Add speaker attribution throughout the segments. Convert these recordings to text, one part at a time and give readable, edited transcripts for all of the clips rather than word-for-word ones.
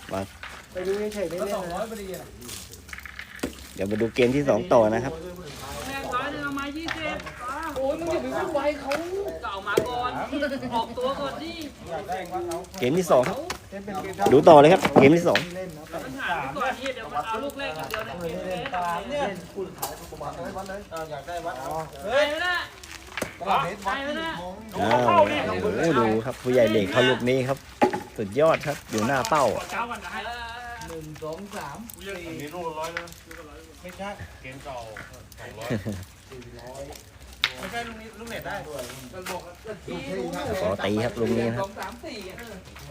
Speaker 1: มา
Speaker 2: ไปดูเฉยๆได้
Speaker 3: ก็
Speaker 2: เล่น
Speaker 3: 200
Speaker 2: นะ
Speaker 3: พอดีอ่ะ
Speaker 1: เดี๋ยวมาดูเกมที่2ต่อนะครับ
Speaker 4: แม่ฟ้าเนี่ยเอามา20ฟ้า
Speaker 3: โอ้ยมึงอย่าไปวุ่นวายเขา
Speaker 4: เก่ามาก่อนออกตัวก่อนดิ
Speaker 3: อยากได้วัดเอา
Speaker 1: เกมที่2ครับ
Speaker 2: เล่นเป็นเกม
Speaker 1: ดูต่อเลยครับ เกมที่
Speaker 2: เล่นนะ
Speaker 4: มันหายไปก่อนที่เดี๋ยวมันเอาลูกแรกอย่างเดียวในเกมเลย
Speaker 3: เนี่ย
Speaker 2: เล่นคู่สุดท้ายประมาณวัดเลย
Speaker 3: อยากได้วัดเอา
Speaker 4: เฮ้ยไม่ได้
Speaker 2: ตลาดเมตรวัด
Speaker 1: 2อ้าวโอ้โหดูครับผู้ใหญ่เหล็กเขาลูกนี้ครับ สุดยอดครับอยู่หน้าเป้า
Speaker 4: เจ้ากันนะ
Speaker 3: 1 2 3
Speaker 5: อันนี้ลูกละ100นะ
Speaker 3: ไม่ใช่
Speaker 5: เกมเก่า200
Speaker 3: ไม่ใช่ลูกนี้ลูกเน็ตได้ก็บอก
Speaker 1: ขอตีครับลูกนี้นะครับ
Speaker 3: 2 3 4อ่ะ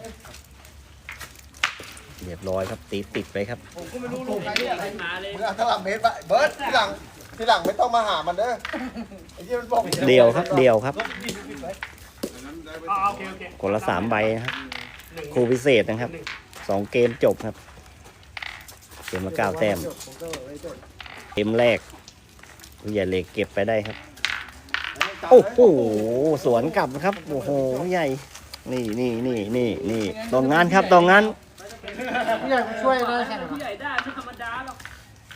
Speaker 1: เรียบร้อยครับตีติดไปครับ
Speaker 3: ผมก็ไม่รู้ลูกไหนเนี่ยอะไร
Speaker 4: มาเลย
Speaker 2: มึงเอาตลาดเมตรไปเบิร์ดทีหลังไม่ต้องมาหามันเด้อไอ้ที่มันบอก
Speaker 1: เดียวครับเดียวครับ
Speaker 5: โอเค
Speaker 1: คนละ3ใบนะครับครูพิเศษนะครับ2เกมจบครับเกมละ9แต้มเกมแรกผู้ใหญ่เหล็กเก็บไปได้ครับโอ้โหสวนกลับครับโอ้โหผู้ใหญ่นี่ตรงงานครับตรงงาน
Speaker 2: ผู้ใหญ่มาช่วยได้แข่ง
Speaker 4: ผู้ใหญ่ได้ไม่ธรรมดาหรอก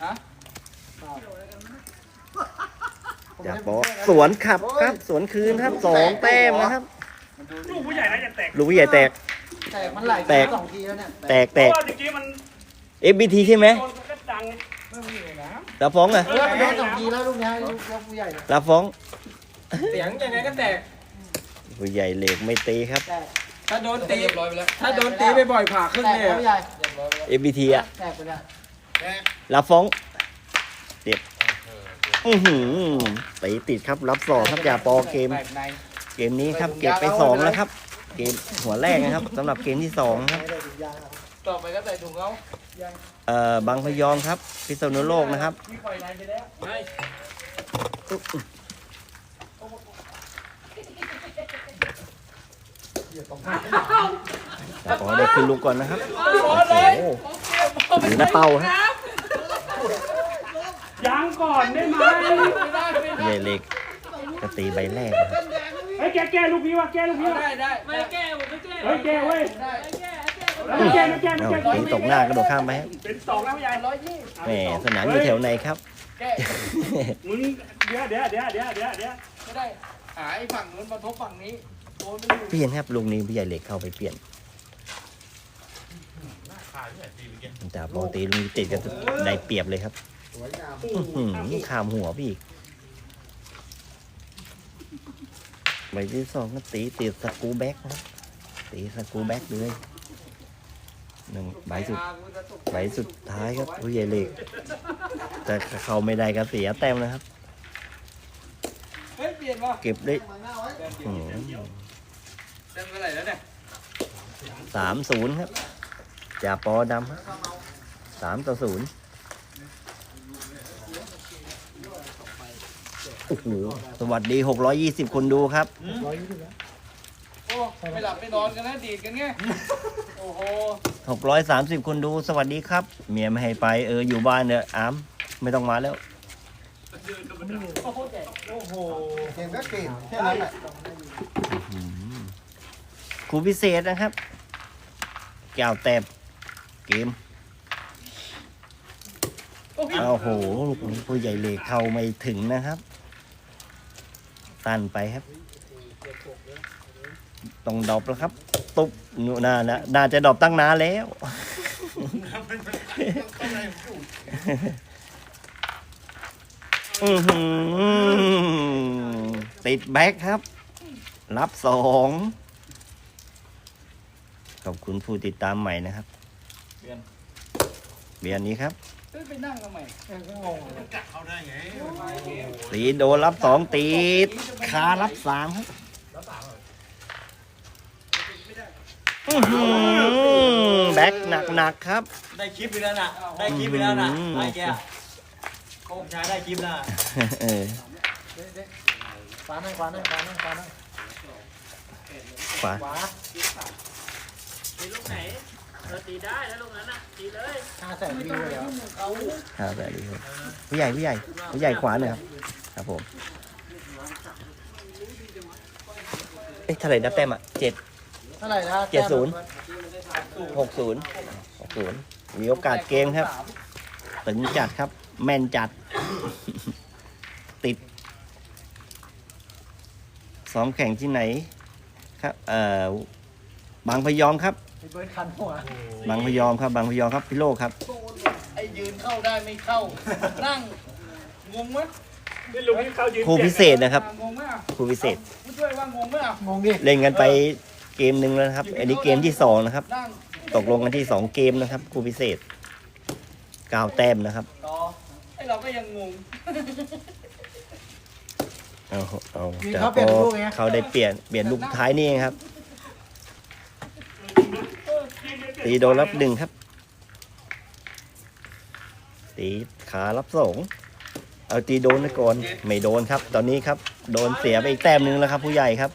Speaker 1: อย่าบอกสวนขับครับสวนคืนครับ2แต้มนะครับ
Speaker 5: ลูกผู้ใหญ่นะอย่าแตก
Speaker 1: ลูกผู้ใหญ่แตก
Speaker 2: แต่มันไหล
Speaker 1: แตก
Speaker 2: 2 ทีแล้วเนี่ย
Speaker 1: แตก
Speaker 5: เพราะว่าเมื่อกี้มัน
Speaker 1: FBT ใช่ไหม
Speaker 5: โดนก็ดัง
Speaker 1: ลาฟ้องอะ
Speaker 2: เออมันโดน2 ทีแล้วลูกนี้ลูกผู้ใหญ่เนี่ย
Speaker 1: ลาฟ้อง
Speaker 3: เสียงยังไงก็แตก
Speaker 1: ผู้ใหญ่เหล็กไม่ตีครับ
Speaker 2: แตก
Speaker 3: ถ้าโดนตีถ้าโดนตีบ่อยๆผ่าครึ่ง
Speaker 2: แตก
Speaker 3: เลย
Speaker 2: แล้วผู้ใหญ่
Speaker 1: FBT อะ
Speaker 2: แตกไปแล้ว
Speaker 1: ลาฟ้องเจ็บตีติดครับรับ2ครับอย่าปอเกม
Speaker 3: แตกใน
Speaker 1: เกมนี้ครับเก็บไป2แล้วครับ เกมหัวแรกนะครับสำหรับเกมที่2ครับ
Speaker 2: ไม่ได้ถุงยางครับ
Speaker 3: ต่อไปก็ใส่ถุงเขา
Speaker 1: บางพยอมครับพิษณุโลกนะครับ
Speaker 3: พี่ปล่อยในไปแล้วไม่
Speaker 1: ขอได้ขึ้นลูกก่อนนะครับโอ้โหอยู่หน้าเป้าครับ
Speaker 5: ยังก่อนได้ไหม
Speaker 1: ใหญ่เล็กก็ตีใบแรกนะครับ
Speaker 5: เฮ้ยแกลูกนี้วะแกลูกนี้วะ
Speaker 3: ได้
Speaker 4: ไม่แก้ผมไม่แก้
Speaker 5: เฮ้ยแกเว้ย
Speaker 4: ไม่แก้
Speaker 5: ไม่แกไม่แก
Speaker 1: เอาตีตกหน้ากระโดดข้ามไปครับ
Speaker 5: เป็น2แล้วผู้ใหญ่
Speaker 3: 120
Speaker 1: แหมสนามอยู่แถวไหนครับ
Speaker 3: แก้
Speaker 5: มึงเดี๋ยว
Speaker 3: ไม่ได้หาไอ้ฝั่งนู้นมาทบฝั่งนี้โดนไม่อยู่
Speaker 1: เปลี่ยนครับลุงนี้ผู้ใหญ่เหล็กเข้าไปเปลี่ยนแต่ปกติลุงนี้ติดก็ได้เปรียบเลยครับ
Speaker 2: สวยงาม
Speaker 1: ขามหัวพี่อีกใบที่2ก็ตีติดสกรูแบ็กนะครับตีสกรูแบ็กเลยใบสุดท้ายครับผู้ใหญ่เหล็กแต่เขาไม่ได้ก็เสียแต้มนะครับ
Speaker 3: เฮ้ยเปลี่ยนว่ะ
Speaker 1: เก็บได้
Speaker 3: เต็มเท่าไหร่แล้วเนี่ย
Speaker 1: 3-0ครับจ่าปอดำครับ3-0โอ้โหสวัสดี620คนดูครับ
Speaker 2: 120แล้ว
Speaker 3: โอ้ไม่หลับไม่นอนกันนะดีดกันไงโอ้โห
Speaker 1: 630คนดูสวัสดีครับ เมียไม่ให้ไปอยู่บ้านเนอะอามไม่ต้องมาแล้ว
Speaker 3: โอ้โห
Speaker 2: เกมก็เกมแค่นั้นแหละ
Speaker 1: ครูพิเศษนะครับแก้วแต้มเกมโอ้โหลูกนี้ผู้ใหญ่เหล็กเข้าไม่ถึงนะครับตันไปครับต้องดรอปแล้วครับตุ๊บน่าจะดรอปตั้งนานแล้ว ติดแบ็คครับ รับ2ขอบคุณผู้ติดตามใหม่นะครับเบียนนี้ครับ
Speaker 3: ไปนั่งทำไม
Speaker 2: ก็งงเลย
Speaker 1: ตีโดนรับ2ติดคารับ3ครับแบ็คหนักๆครับ
Speaker 6: ได้คลิปไปแล้วน่ะ ได้คลิปไปแล้วน่ะไอ้แกโคงชายได้คลิปน่ะ
Speaker 1: เออ
Speaker 2: ขวาหน่อย
Speaker 1: ขวา
Speaker 4: ตีลูกไหนตีได้แล้วลูกนั้นน่ะตีเลย
Speaker 2: 500,000 วิวเลยเหรอ
Speaker 1: ครับแบบนี้ครับผู้ใหญ่ขวาหน่อยครับครับผมเท่าไหร่นับแต้มอ่ะ7
Speaker 2: เท่าไหร่นะ
Speaker 1: 70 60 มีโอกาสเกมครับตึงจัดครับ แม่นจัด ติดซ้อมแข่งที่ไหนครับบางพยอมครับ
Speaker 3: ไอ้เบิร์ดคันหัว
Speaker 1: บางพยอมครับบางพยอมครับพี่โลครับ
Speaker 3: ไอ้ยืนเข้าได้ไม่เข้า นั่งงงไหม
Speaker 5: นี่ลูกนี้เขายืน
Speaker 1: ครูพิเศษนะครับ
Speaker 3: งงไหมอ่ะ
Speaker 1: ครูพิเศษ
Speaker 3: ผู้ช่วยว่างงไหมอ่ะงงดิ
Speaker 1: เล่นกันไปเกมหนึ่งแล้วนะครับ อันนี้เกมที่2นะครับ
Speaker 3: นั่ง
Speaker 1: ตกลงกันที่2เกมนะครับครูพิเศษ9แต้มนะครับ
Speaker 3: ต่อไอ้เราก็ยังงง
Speaker 1: เอาจากพอเขาได้เปลี่ยนลูกท้ายนี่เองครับ ตีโดนรับ1ครับ ตีขารับ2เอาตีโดนไปก่อนไม่โดนครับ ตอนนี้ครับ โดนเสียไปอีกแต้มหนึ่งแล้วครับ ผู้ใหญ่ครับ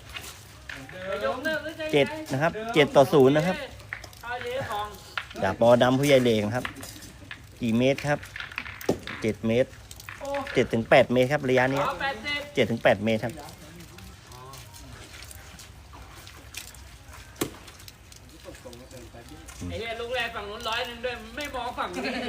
Speaker 1: 7นะครับ7-0นะครับ
Speaker 4: เอาเยอะของ
Speaker 1: ดาบปอดำผู้ใหญ่เลงครับ กี่เมตรครับ7 เมตร7-8 เมตรครับระยะนี้
Speaker 4: เอา80
Speaker 1: 7-8 เมตรครับ
Speaker 4: ไอ้เหี้ยลูกแรกฝั่งนู้น100ด้วยไม่มองฝั่งนี้เลย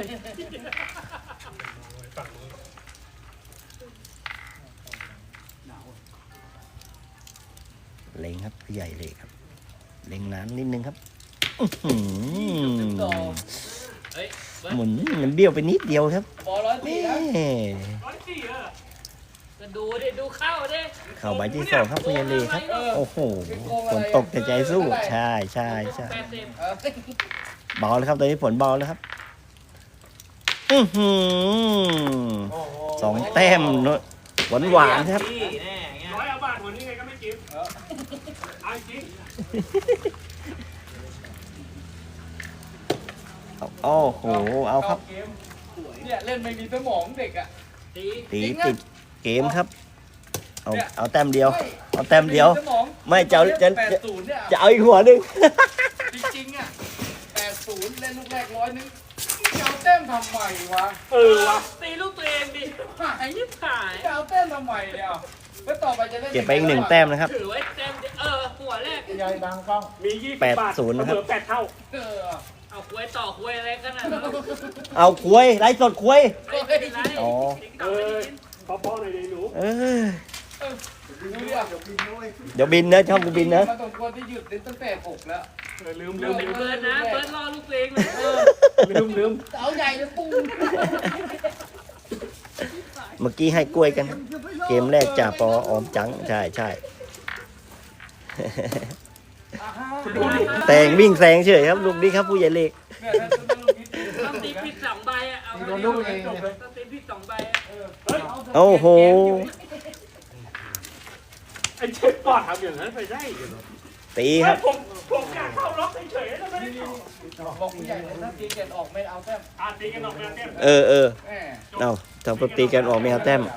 Speaker 1: เล็งครับผู้ใหญ่เลยครับ เล็งนานนิดนึงครับอื้อหือ
Speaker 4: เฮ้ยเบิร์ด
Speaker 1: หมุนมันเบี้ยวไปนิดเดียวครับ
Speaker 3: บอล104
Speaker 1: แม่
Speaker 3: นะ
Speaker 5: 104
Speaker 4: ก็ดูดิดูเข้าดิ
Speaker 1: เข้าใบที่2ครับผู้ใหญ่เลยครับ โอ้โหฝนตกแต่ใจสู้ใช่ใช่ใช่
Speaker 4: 80
Speaker 3: เออ
Speaker 1: เบาแล้วครับตอนนี้ฝนเบาแล้วครับอื้อหือ2 แต้มหวานๆครับ
Speaker 6: พี่แน่เงี้ย
Speaker 5: 100เอาบาทหัวนี้ไงก็ไม่จิ้มเอาจริง
Speaker 1: โอ้โหเอาครับ
Speaker 3: เกมเนี่ยเล่นไม่มีสมองเด็กอ่ะ
Speaker 4: ตี
Speaker 1: ตีติดเกมครับ เอาแต้มเดียว เอาแต้มเดียว
Speaker 3: สมอง
Speaker 1: ไม่จะ
Speaker 3: 80เนี่ย
Speaker 1: จะเอาอีกหัวหนึ่ง
Speaker 3: จริงๆอ่ะ80เล่นลูกแรก100นึงจะเอาแต้มทำไมวะ
Speaker 5: วะ
Speaker 4: ตีลูกตัวเองดิ
Speaker 3: หาย
Speaker 4: ยิบขาย
Speaker 3: จะเอาแต้มทำไมเนี่ยแล้วต่อไปจะเล่น
Speaker 1: เก็บไปอีก1 แต้มนะครับ
Speaker 4: ถือไว้เต็มดิหัวแรก
Speaker 3: ยายบางกล้อง
Speaker 5: มี20 บาท
Speaker 1: 80นะครับ
Speaker 5: เหลือ8 เท่า
Speaker 3: เออ
Speaker 4: เอาคุยต่อคุยอะไรกันน่ะ
Speaker 1: เอาคุยไลฟ์สดคุย
Speaker 4: ไม่เป็นไร
Speaker 1: อ๋อ
Speaker 4: ติ๊กต๊อกไม่ได้ยิน
Speaker 5: พอๆหน่อยเลยหนู
Speaker 1: เออ
Speaker 3: ดูดิอ่ะ
Speaker 1: เดี๋ยวบินนะช่องกูบินนะ
Speaker 3: มาตรงคนที่หยุดเล่นตั้งแต่6แล้ว
Speaker 5: ลืม
Speaker 4: เบิร์ดนะเบิร์ดรอลูกตัวเองเลย
Speaker 5: ลืม
Speaker 3: เสาใหญ่เลยปุ้ง
Speaker 1: เมื่อกี้ให้กล้วยกัน เกมแรกจ่าปอออมจังใช่ใช่แต่งวิ่งแซงเฉยครับลูกนี้ครับผู้ใหญ่เล็ก
Speaker 4: ต้องตีผิด2 ใบอ่ะเอาโดนลูกเองต้องตีผิด2 ใบอ่ะ
Speaker 1: โอ้โห
Speaker 5: ไอ้เช็คปอดทำอย่างนั้นไปได้เหรอ
Speaker 1: ตีครับ
Speaker 5: ผมอยากเข้าล็อกเฉยๆแล้วไม่ได้เข้า
Speaker 3: บอกผู้ใหญ่เลยถ้าตีเกตออกไม่เอาแต้ม
Speaker 5: ตีกันออกไปเต็ม
Speaker 1: เออ
Speaker 3: แหม
Speaker 1: เอาทำปตีกันออกไม่เอาแต้ม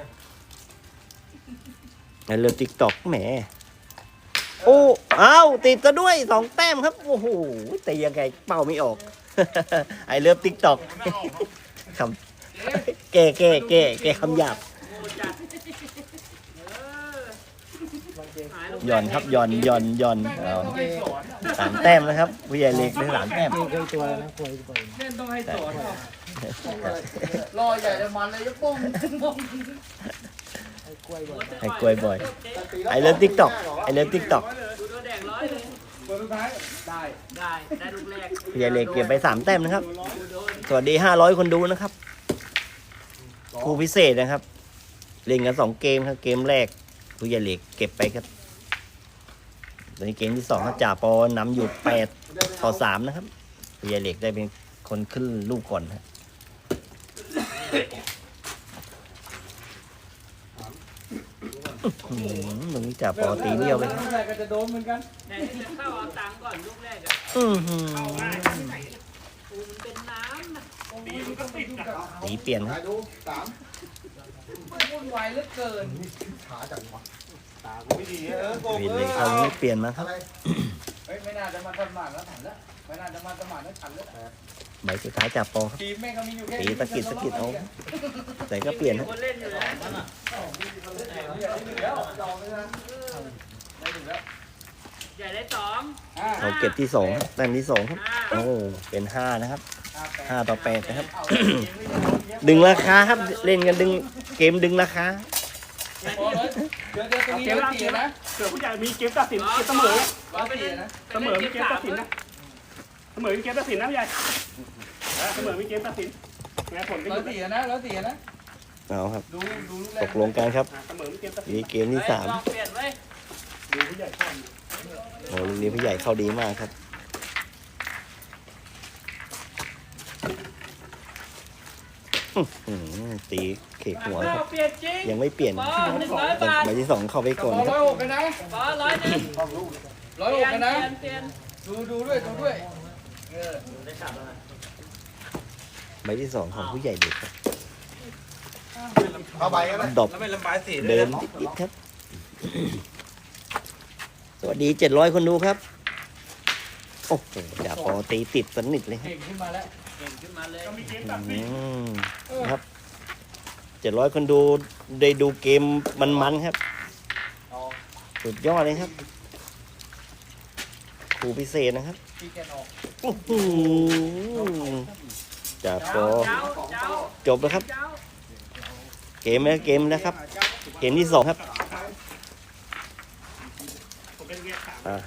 Speaker 1: เริ่มติ๊กตอกแหมโอ้เอาติดซะด้วย2 แต้มครับโอ้โหแต่ยังไงเป้าไม่ออก ไอเริ่มติ๊กตอกคำแก้คำหยาบ
Speaker 4: โง่จัด
Speaker 1: หย่อนครับหย่อนเอา
Speaker 3: ต้องให้สอน
Speaker 1: 3 แต้มนะครับผู้ใหญ่เล็กได้3 แต้ม
Speaker 3: เล่นต้องให้สอนรอใหญ่จะมันเลยยกปุ้งปุ้ง
Speaker 1: ให้กล้วยบ่อยไอเริ่มติ๊กตอก
Speaker 4: ดูตัวแดงร้อยเลย
Speaker 3: เบอร์สุดท้ายได้
Speaker 4: ได้ลูกแรก
Speaker 1: ผู้ใหญ่เล็กเก็บไป3 แต้มนะครับ
Speaker 4: โดน
Speaker 1: สวัสดี500 คนดูนะครับครูพิเศษนะครับ เล่นกัน2 เกมครับเกมแรกผู้ใหญ่เล็กเก็บไปครับตอนนี้เกมที่2ครับจ่าปอนำอยู่8-3นะครับผู้ใหญ่เล็กได้เป็นคนขึ้นลูกก่อนครับตรงนี้จ่าปอตีเบี้ยวไปครับ
Speaker 3: ผู้ใหญ่ก็จะโดนเหมือนกัน
Speaker 4: ไหนที่จะเข้าเอาตังค์ก่อนลูกแรกอ่ะ
Speaker 1: อื้อหือ
Speaker 4: ปูมันเป็นน้ำนะ
Speaker 1: ตีเปลี่ยนครับ
Speaker 3: วุ่นวายเหลือเกิน
Speaker 1: เห็นเลยเขาไม่เปลี่ยนมาครับ
Speaker 3: เฮ้ยไม่น่าจะมาสมานแล้วถันแล้วไม่น่าจะมาสมานแล้วถันแล้ว
Speaker 1: ใบสุดท้ายจ่าปอครับ
Speaker 3: ทีมแม่งก็มีอยู่แค่
Speaker 1: ตีสะกิดเอาแต่ก็เปลี่ยน
Speaker 4: มี
Speaker 1: นะ
Speaker 4: คนเล่นอยู่แล้ว
Speaker 3: ได้ถึงแล้วยอมไม่ได้ได้ถึงแล้ว
Speaker 4: ใหญ่ได้สอง
Speaker 1: เราเก็บที่สองครับแต้มที่สองครับ โอ้เป็น5นะครับ5-8นะครับ ดึงราคาครับเล่นกันดึงเกมดึงราคา
Speaker 3: เดี๋ยวตรงนี้
Speaker 5: เกม
Speaker 3: ร้อย
Speaker 5: ล่าง
Speaker 3: สี่
Speaker 5: เกม
Speaker 3: นะ
Speaker 5: เกิดผู้ใหญ่มีเกมตัดสินเกมเสมอ
Speaker 3: ร้อยสี่นะ
Speaker 5: เสมอมีเกมตัดสินนะเสมอมีเกมตัดสินนะผู้ใหญ่เสมอมีเกมตัดสินแม้ผลก็
Speaker 3: ร้
Speaker 5: อ
Speaker 3: อย
Speaker 5: ยู่
Speaker 3: สี่นะร้อยสี่นะ
Speaker 1: เอาครับ
Speaker 3: ดูลูกแร
Speaker 1: ต
Speaker 3: ก
Speaker 1: กลงกันครับ
Speaker 5: เสมอมีเกมตัดสิน
Speaker 1: นี่เกมที่สาม
Speaker 4: ลองเปลี่ยนไว้
Speaker 5: ดูผู้ใหญ่ข้อม
Speaker 1: โอ้ลูกนี้ผู้ใหญ่เข้าดีมากครับตีเขกหัวครับ
Speaker 4: เปลี่ยนจริง
Speaker 1: ยังไม่เปลี่ยน
Speaker 4: ปอ100 บาท
Speaker 1: ใบที่สองเข้าไปก่อน
Speaker 3: ร้
Speaker 1: ค
Speaker 3: อ
Speaker 1: รั
Speaker 3: ย
Speaker 1: บ
Speaker 3: หกกันนะ
Speaker 4: ปอ100
Speaker 3: ร้อยหกกันนะ
Speaker 4: เปลี่ยน
Speaker 3: ดูด้วย
Speaker 1: ใบที่สองของผู้ใหญ่เด็กครับ
Speaker 2: เอาไปกันนะ
Speaker 1: ดรอป
Speaker 6: แล้วไม่ลำบายสีด้ว
Speaker 1: เดิ
Speaker 6: ย
Speaker 1: นติดๆครับ สวัสดี700 คนดูครับ โอ้โหจ่าปอตีติดสนิทเลยครับ
Speaker 3: เก่งขึ้นมาแล้ว
Speaker 4: เก่งขึ้นมาเลย
Speaker 5: ก็มีเกมตัดสิ
Speaker 1: อื
Speaker 5: น
Speaker 1: มครับ700 คนดูได้ดูเกมมันๆครับ สุดยอดเลยครับครูพิเศษนะครับ
Speaker 3: พี่แกนออก
Speaker 1: อื้อหือจ่าปอ
Speaker 4: เจ้าเจ้า
Speaker 1: จบแล้วครับ
Speaker 4: เจ้า
Speaker 1: เกมแล้วครับ เกมที่สองครับ
Speaker 5: ผมเป็นเกมสาม
Speaker 1: อ่า